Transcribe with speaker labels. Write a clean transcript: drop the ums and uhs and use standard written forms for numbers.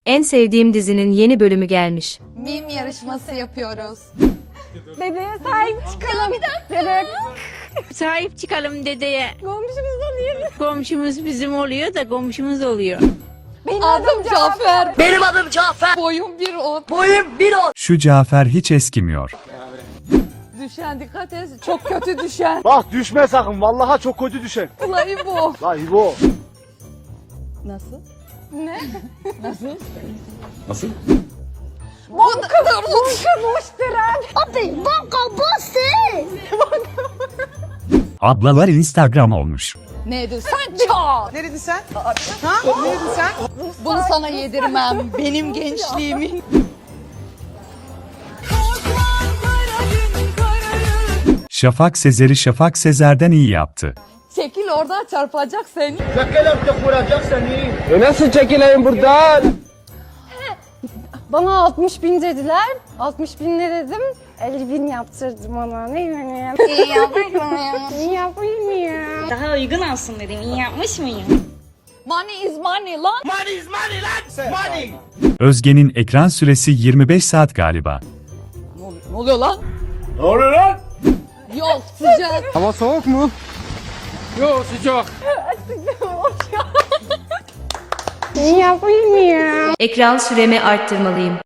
Speaker 1: En sevdiğim dizinin yeni bölümü gelmiş.
Speaker 2: Meme yarışması yapıyoruz.
Speaker 3: Bebeğe sahip çıkalım. Bebek.
Speaker 4: Sahip çıkalım dedeye.
Speaker 3: Komşumuzdan değil.
Speaker 4: Komşumuz bizim oluyor da komşumuz oluyor.
Speaker 3: Benim
Speaker 2: Adım Cafer.
Speaker 5: Benim adım Cafer.
Speaker 2: Boyum 1.10.
Speaker 5: Boyum 1.10.
Speaker 6: Şu Cafer hiç eskimiyor.
Speaker 2: Düşen dikkat et. Çok kötü düşen.
Speaker 7: Bak düşme sakın. Vallahi çok kötü düşer.
Speaker 2: Ulan bu.
Speaker 7: La İbo.
Speaker 2: Nasıl?
Speaker 3: Ne?
Speaker 7: Nasıl?
Speaker 2: Bu kadar
Speaker 3: Abi banka bastı.
Speaker 6: Ablalar Instagram olmuş.
Speaker 2: Neydi sen çal.
Speaker 8: Neredin sen? Ha? Neredin sen?
Speaker 2: Bunu sana yedirmem. Benim gençliğimin.
Speaker 6: Şafak Sezer'i Şafak Sezer'den iyi yaptı.
Speaker 2: Çekil orada çarpacak seni.
Speaker 7: Nasıl çekileyim buradan?
Speaker 3: Bana 60 bin dediler. 60 bin ne dedim? 50 bin yaptırdım ona. Ne yani?
Speaker 4: İyi yapmış mıyım?
Speaker 3: İyi yapayım mı ya?
Speaker 4: Daha uygun olsun dedim. İyi yapmış mıyım?
Speaker 2: Money is money lan.
Speaker 6: Özge'nin ekran süresi 25 saat galiba.
Speaker 2: Ne oluyor lan?
Speaker 7: Ne oluyor lan?
Speaker 2: Yok sıcak.
Speaker 7: Hava soğuk mu? Yok sıcak.
Speaker 3: İyi yapayım mı ya?
Speaker 1: Ekran süremi arttırmalıyım.